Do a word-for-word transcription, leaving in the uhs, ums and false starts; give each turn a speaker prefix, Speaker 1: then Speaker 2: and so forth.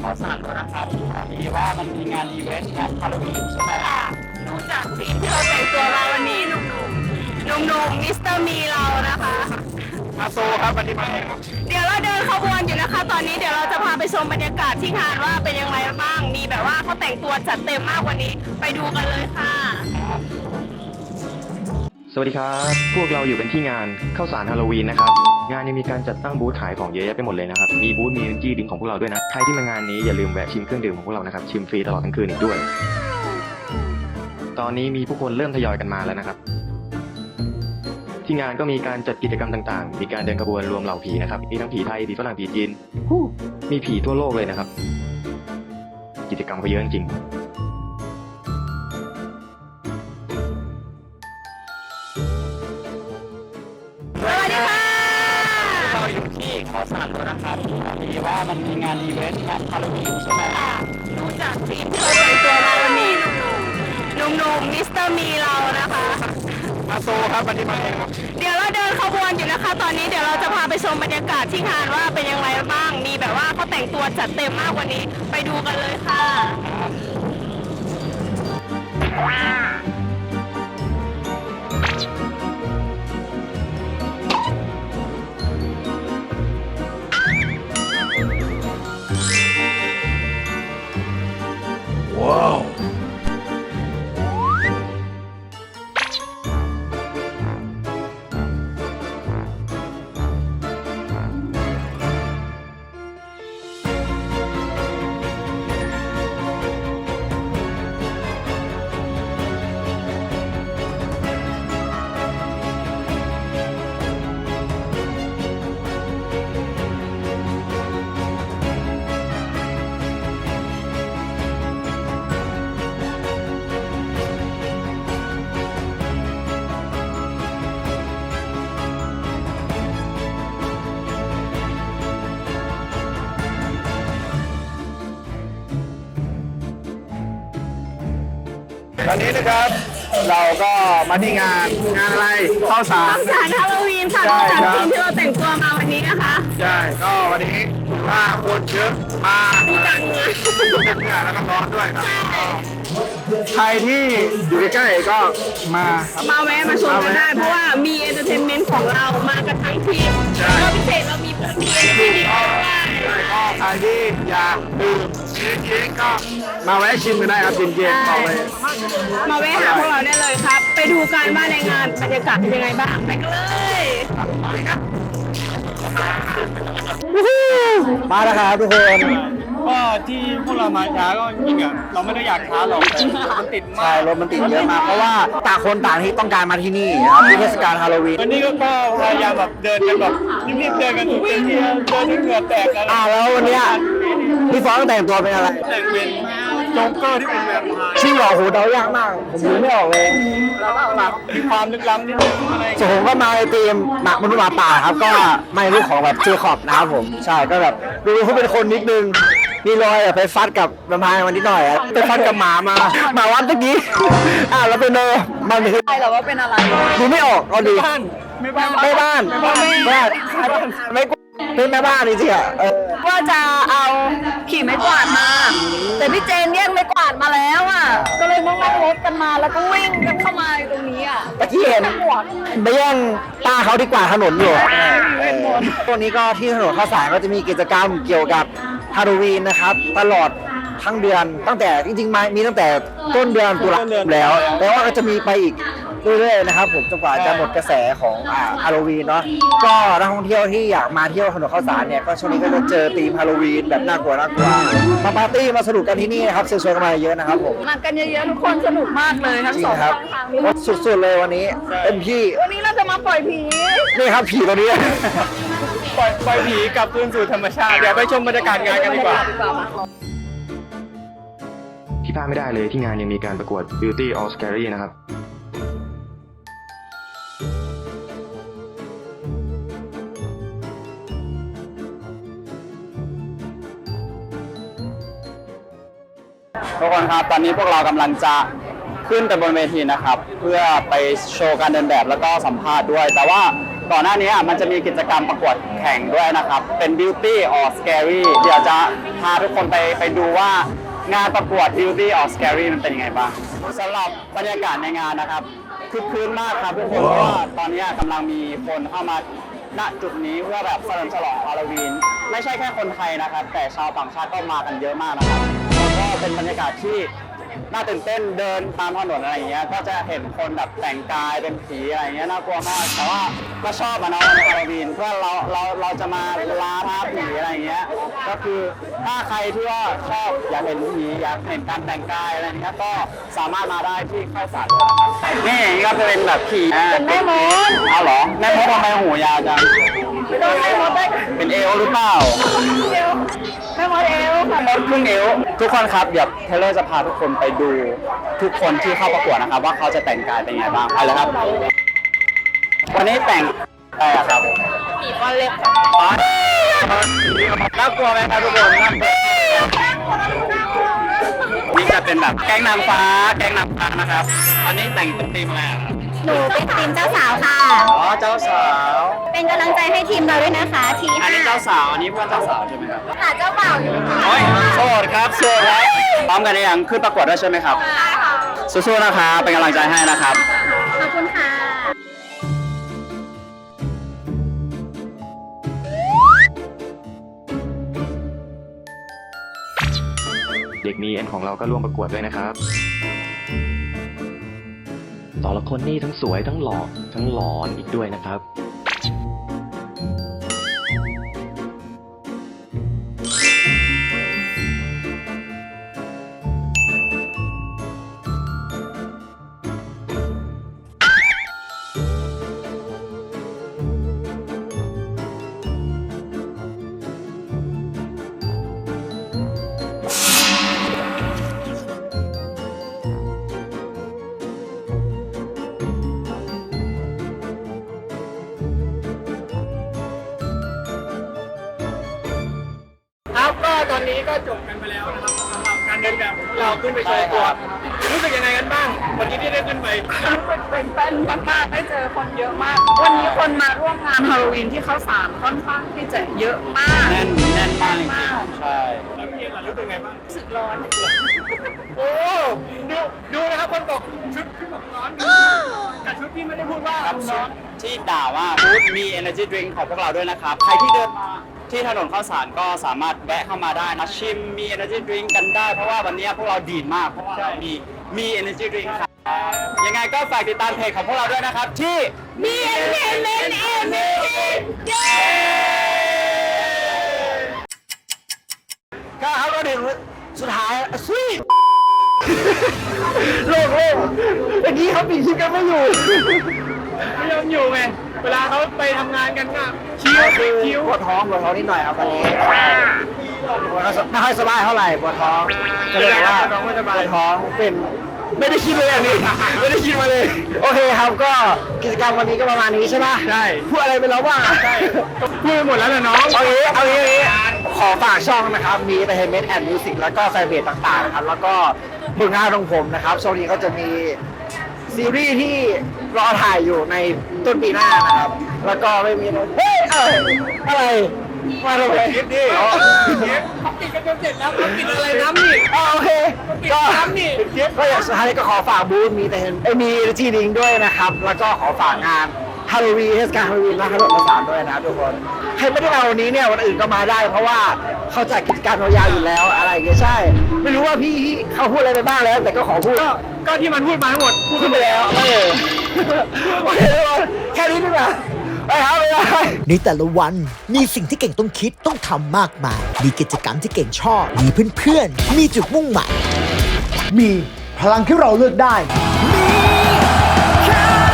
Speaker 1: ขอสั่งด้วยนะครับดีว่ามันมีงานอีเวนต์งานฮาโลวีนใช่ไหมดูจากสีที่เราแต่งตัวมาวันนี้หนุ่มๆหนุ่มๆมิสเตอร์มีเรานะคะมาโซครับวันนี้มาเองเดี๋ยวเราเดินขบวนอยู่นะคะตอนนี้เดี๋ยวเราจะพาไปชมบรรยากาศที่งานว่าเป็นยังไงบ้างมีแบบว่าเขาแต่งตัวจัดเต็มมากวันนี้ไปดูกันเลยค่ะ
Speaker 2: สวัสดีครับ พวกเราอยู่กันที่งานข้าวสารฮาโลวีนนะครับงานยังมีการจัดตั้งบูธขายของเยอะแยะไปหมดเลยนะครับมีบูธมีเอนจี้ดิ้งของพวกเราด้วยนะใครที่มางานนี้อย่าลืมแวะชิมเครื่องดื่มของพวกเรานะครับชิมฟรีตลอดทั้งคืนอีกด้วยตอนนี้มีผู้คนเริ่มทยอยกันมาแล้วนะครับที่งานก็มีการจัดกิจกรรมต่างๆมีการเดินขบวนรวมเหล่าผีนะครับมีทั้งผีไทยผีฝรั่งผีจีนมีผีทั่วโลกเลยนะครับกิจกรรมก็เยอะจริง
Speaker 1: สวัสดีค่ะเราอยู่ที่ขอสารด้วยนะครับดีว่ามันมีงานอีเวนต์งานฮาโลวีนใช่ไหมดูจากสีที่เราแต่งตัวมาวันนี้หนุ่มๆมิสเตอร์มีเรานะคะมาโซครับวันนี้มาเองเดี๋ยวเราเดินขบวนอยู่นะคะตอนนี้เดี๋ยวเราจะพาไปชมบรรยากาศที่งานว่าเป็นยังไงบ้างมีแบบว่าเขาแต่งตัวจัดเต็มมากวันนี้ไปดูกันเลยค่ะว้าวตอนนี้นะครับเราก็มาที่งานงานอะไรข้าวสารข้าวสารฮาโลวีนค่ะจากทีมที่เราแต่งตัวมาวันนี้นะคะใช่ก็วันนี้มาคนเยอะมาจังเลยจังเลยแล้วก็ร้อนด้วยครับใครที่อยู่ใกล้ๆก็มามาแวะมาชมกันได้เพราะว่ามีเอนเตอร์เทนเมนต์ของเรามากันทั้งทีมแล้วพิเศษเรามีมีเอนเตอร์เทนเมนต์ด้วยก็ใครที่อยากดื่มเย็นๆก็มาแวะชิมกันได้ครับเย็นๆต่อเลยมาแวะหาพวกเราได้เลยครับไปดูกันว่าในงานบรรยากาศเป็นยังไงบ้างไปกันเลย
Speaker 3: มาแล้วครับทุกคน
Speaker 4: ก็ที่พวกเรามาช้าก็จริงอ่ะเราไม่ได้อยากช้าหรอกมันติดมาก
Speaker 3: ใช่รถมันติดเยอะมากเพราะว่าต่างคนต่างที่ต้องการมาที่นี่นะครับที่เทศกาลฮาโลวีน
Speaker 4: วันนี้ก็พยายามแบบเดินกันแบบรีบๆเดินกันทุกทีเดินจนเหงื่อแตกแล้ว
Speaker 3: อ่าแล้ววันนี้พี่ฟองแต่งตัวเป็นอะไร
Speaker 4: แต่งเป็นโจ๊กเกอร์ที่เป็นแบบ
Speaker 3: ชื่อหล่อโหเดายากมากผมดูไม่ออกเลย
Speaker 4: แล้วก็แบบมีความลึกล้ำนิดนึงอะไร
Speaker 3: ส่วนผมก็มาในทีมหมักมนุษย์หมาป่าครับก็ไม่รู้ของแบบเจคอบนะครับผมใช่ก็แบบดูเขาเป็นคนนิดนึงมีรอยไปฟัดกับแวมไพร์มันนิดหน่อยไปฟัดกับหมามาหมาวัดตะกี้อ่าแล้วเป็นเนอมันคือ
Speaker 1: ใช่หรอว่าเป็นอะไร
Speaker 3: ดูไม่ออกเอาดี
Speaker 4: ไม่บ้าน
Speaker 3: ไม่บ้านไม่บ้านไม่เป็นแม่บ้านจริงๆอ่ะ
Speaker 1: ว่าจะเอาขี่ไม้กวาดมาแต่พี่เจนแย่งไม้กวาดมาแล้วอ่ะก็เลยต้องนั่งรถกันมาแล้วก็วิ่งกันเข้ามาตรงนี้อ่ะ
Speaker 3: ตะกี้เห็นไปแย่งป้าเขาดีกว่าถนนอยู่ตัวนี้ก็ที่ถนนข้าวสารก็จะมีกิจกรรมเกี่ยวกับฮาโลวีนนะครับตลอดทั้งเดือนตั้งแต่จริงๆมามีตั้งแต่ต้นเดือนตุลาคมแล้วแต่ว่าก็จะมีไปอีกเรื่อยๆนะครับผมจนกว่าจะหมดกระแสของอ่าฮาโลวีนเนาะก็นักท่องเที่ยวที่อยากมาเที่ยวถนนข้าวสารเนี่ยก็ช่วงนี้ก็จะเจอธีมฮาโลวีนแบบน่ากลัวน่ากลัวมาปาร์ตี้มาสนุกกันที่นี่นะครับเชิญชวนกันมาเยอะนะครับผม
Speaker 1: มากันเยอะๆทุกคนสนุกมากเลยทั้งสอง
Speaker 3: ครับสุดๆเลยวันนี้เป็นพี่
Speaker 1: วันนี้เราจะมาปล่อยผี
Speaker 3: นี่ครับผีตัวนี้
Speaker 4: ปล่อยปล่อยผีกลับคืนสู่ธรรมชาติเดี๋ยวไปชมบรรยากาศงานกันดีกว่า
Speaker 2: ที่พลาดไม่ได้เลยที่งานยังมีการประกวด Beauty All Scary นะครับ
Speaker 3: ทุกคนครับตอนนี้พวกเรากำลังจะขึ้นไปบนเวทีนะครับเพื่อไปโชว์การเดินแบบแล้วก็สัมภาษณ์ด้วยแต่ว่า
Speaker 5: ก่อนหน้านี้มันจะมีกิจกรรมประกวดแข่งด้วยนะครับ เป็น Beauty or Scary เดี๋ยวจะพาทุกคนไปไปดูว่างานประกวด Beauty or Scary มันเป็นยังไงบ้างสำหรับบรรยากาศในงานนะครับคึกคืนมากครับทุกคนเพราะว่าตอนนี้กำลังมีคนเข้ามาณจุดนี้เพื่อแบบเฉลิมฉลองฮาโลวีนไม่ใช่แค่คนไทยนะครับ แต่ชาวต่างชาติก็มากันเยอะมากนะครับแล้วก็เป็นบรรยากาศที่น่าตื่นเต้นเดินตามถนนอะไรอย่างเงี้ยก็จะเห็นคนแบบแต่งกายเป็นผีอะไรอย่างเงี้ยน่ากลัวมากแต่ว่าก็ชอบอะเนาะในฮาโลวีนเพื่อเราเราเราจะมาล้าท้าผีอะไรอย่างเงี้ยก็คือถ้าใครที่ว่าชอบอยากเห็นผีอยากเห็นการแต่งกายอะไรอย่างเงี้ยก็สามารถมาได้ที่ข้าวสารนี่ก็จะเป็นแบบผีเป็นแม่มดเอาเหรอแม่มดทำไมหูยาวจังเป็นเอวหรือเปล่าแม่มดเอวค่ะมดครึ่งเอวทุกคนครับเดี๋ยวเทเลอร์จะพาทุกคนไปดูทุกคนที่เข้าประกวดนะครับว่าเขาจะแต่งกายเป็นไงบ้างไปเลยครับวันนี้แต่งอะไรอะครับผีก้อนเล็กน่ากลัวไหมครับทุกคนน่ากลัวนี่จะเป็นแบบแก๊งนางฟ้าแก๊งนางฟ้านะครับอันนี้แต่งเป็นธีมอะไรอะครับ
Speaker 6: หนูเป็นทีมเจ้าสาวค่ะ
Speaker 5: อ๋อเจ้าสาว
Speaker 6: เป็นกำลังใจให้ทีมเราด้วยนะคะ ที
Speaker 5: อัน
Speaker 6: ห้า
Speaker 5: นี้เจ้าสาวอันนี้เพื่อนเจ้าสาวใช่ไหมครับ
Speaker 6: หาเจ้าบ่าวอยู่ค่ะ
Speaker 5: โอ้ยโสดครับโสดครับพร้อมกันหรือยังขึ้นประกวดด้วยใช่ไหมครับสู้ๆนะครับเป็นกำลังใจให้นะครับ
Speaker 6: ขอบคุณค่ะ
Speaker 2: เด็กมีเอ็นของเราก็ร่วมประกวดด้วยนะครับแต่ละคนนี่ทั้งสวยทั้งหล่อทั้งหลอนอีกด้วยนะครับ
Speaker 4: ครับก็ตอนนี้ก็จบกันไปแล้วนะครับสำหรับการเดินแบบของเราขึ้นไปโชว์ตัวรู้สึกยังไงกันบ้างวันนี้ที่ได้ขึ้นไป
Speaker 1: รู้สึกตื่นเต้นมากๆได้เจอคนเยอะมาก วันนี้คนมาร่วมงานฮาโลวีนที่เขาสามค่อนข้างที่จะเยอะมาก
Speaker 5: แน่นแน่นมากจริงๆใช่
Speaker 4: แล้วพี่เอ็นล่ะรู้สึกไงบ้าง
Speaker 1: รู้สึกร้อน
Speaker 4: โอ้ดูดูนะครับคนบอกชุดขึ้นบอกร้อนแต่ชุดพี่ไม่ได้พูดว่า
Speaker 5: ครับ
Speaker 4: ร้อน
Speaker 5: ที่ด่าว่าฟู้ดมี energy drink ของพวกเราด้วยนะครับ ใครที่เดินมาที่ถนนข้าวสารก็สามารถแวะเข้ามาได้นะชิมมี energy drink กันได้ เพราะว่าวันนี้พวกเราดีดมาก เพราะว่าเรามีมี energy drink ครับยังไงก็ฝากติดตามเพจของพวกเราด้วยนะครับ ที่มีเอ็นเอ็นเอ็นเอ็นเย้
Speaker 3: ก็เขาก็ถึงสุดท้ายซุยโล่งโล่งเมื่อกี้เขาปิดชิปกันไม่อยู่
Speaker 4: ไม่ยอมอยู่ไงเวลาเขาไปทำงานกันก็คิ้ว
Speaker 3: คือ
Speaker 4: คิ้ว
Speaker 3: ปวดท้องปวดท้องนิดหน่อยครับตอนนี้ไม่ค่อยสบายเท่าไหร่ปวดท้องก็เลยว่าปวดท้องเป็นไม่ได้คิดเลยอันนี้ไม่ได้คิดมาเลย โอเคครับก็กิจกรรมวันนี้ก็ประมาณนี้ใช่ไหม
Speaker 4: ใช่
Speaker 3: พูดอะไรไปแล้วบ้าง
Speaker 4: ใช่ก็พูดไปหมดแล้วนะน้อง
Speaker 3: เอางี้เอางี้เอางี้ขอฝากช่องนะครับ มี Entertainment and Music แล้วก็แฟนเพจต่างๆนะครับ แล้วก็ผลงานของผมนะครับช่วงนี้ก็จะมีซีรีส์ที่รอถ่ายอยู่ในต้นปีหน้านะครับ แล้วก็ไม่มีอะไรเฮ้ยอะไรอะไรมาทำไม
Speaker 4: คิดดิเขาปิดกันจนเสร็จแล้วเขาปิดอะไรน้ำนี่
Speaker 3: อ๋อโอเคก็
Speaker 4: น้ำนี่
Speaker 3: ก็อย่างสุดท้ายก็ขอฝากบูธมีแต่เห็นเอ้ยมีจีดิงด้วยนะครับ แล้วก็ขอฝากงานฮาโลวีนเทศกาลฮาโลวีนและถนนประสานด้วยนะครับทุกคนใครไม่ได้มาวันนี้เนี่ยวันอื่นก็มาได้ เพราะว่าเขาจัดกิจกรรมยาวๆอยู่แล้วอะไรอย่างเงี้ยใช่ ไม่รู้ว่าพี่เขาพูดอะไรไปบ้างแล้ว แต่ก็ขอพูด
Speaker 4: ก็ก็ที่มันพูดมาทั้งหมดพูด
Speaker 3: พูดไปแล้วเออโอเคทุกคนแค่นี้ดีกว่าไปครับไปครับ
Speaker 7: ในแต่ละวันมีสิ่งที่เก่งต้องคิดต้องทำมากมาย มีกิจกรรมที่เก่งชอบ มีเพื่อนๆ มีจุดมุ่งหมาย
Speaker 8: มีพลังที่เราเลือกได้
Speaker 7: มีแค่